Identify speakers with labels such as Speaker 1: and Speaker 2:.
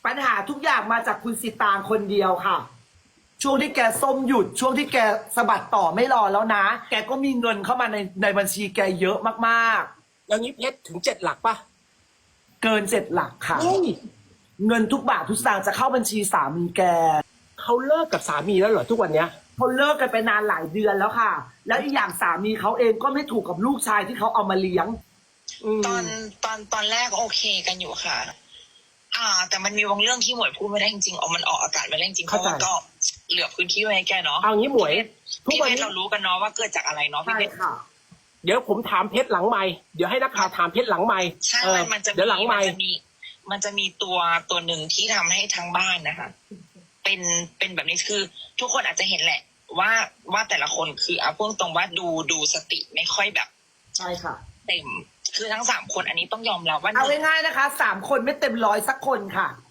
Speaker 1: ปัญหาทุกอย่างมาจากคุณสิตางคนเดียวค่ะ ช่วงที่แกส้มหยุดช่วงที่แกสะบัดต่อไม่รอแล้วนะ แกก็มีเงินเข้ามาในบัญชีแกเยอะมากๆ
Speaker 2: แล้วนี้เพชรถึง7 หลักป่ะ
Speaker 1: เกิน7 หลักค่ะ
Speaker 2: เฮ้ย
Speaker 1: เงินทุกบาททุกสตางค์จะเข้าบัญชีสามีแก
Speaker 2: เขาเลิกกับสามีแล้วเหรอทุกวันเนี้ย
Speaker 1: เขาเลิกกันไปนานหลายเดือนแล้วค่ะ แล้วอีกอย่างสามีเขาเองก็ไม่ถูกกับลูกชายที่เขาเอามาเลี้ยง
Speaker 3: ตอนแรกโอเคกันอยู่ค่ะ แต่มันมีบางเรื่องที่หมวยพูดไม่ได้จริงๆเอามันออกอากาศไม่ได้จริงๆเพ
Speaker 2: เข้า
Speaker 3: ราะ
Speaker 2: ใจ
Speaker 3: ว่าก็เหลือพื้นที่ไว้ให้แกเนาะ
Speaker 2: เอางี้หมวยทุก
Speaker 3: พี่
Speaker 2: วัน
Speaker 3: เพชร
Speaker 2: นี้
Speaker 3: เรารู้กันเนาะว่าเกิดจากอะไรเนาะพี่
Speaker 1: ใช่
Speaker 3: เพชร
Speaker 1: ค่ะ
Speaker 2: เดี๋ยวผมถามเพชรหลังไมค์เดี๋ยวให้นักข่าวถามเพชรหลังไมค์
Speaker 3: ใช่มันจะ
Speaker 2: เดี๋ยวหลังไมค์
Speaker 3: มันจะมีตัวหนึ่งที่ทำให้ทั้งบ้านนะคะเป็นแบบนี้คือทุกคนอาจจะเห็นแหละ ว่าแต่ละคนคือเอาพูดตรงว่าดูสติไม่ค่อยแบบ
Speaker 1: ใช่ค่ะ
Speaker 3: เต็มคือทั้ง3 คนอันนี้ต้องยอมรับว่า
Speaker 1: เอาง่ายๆนะคะ3 คนไม่เต็ม100สักคนค่ะ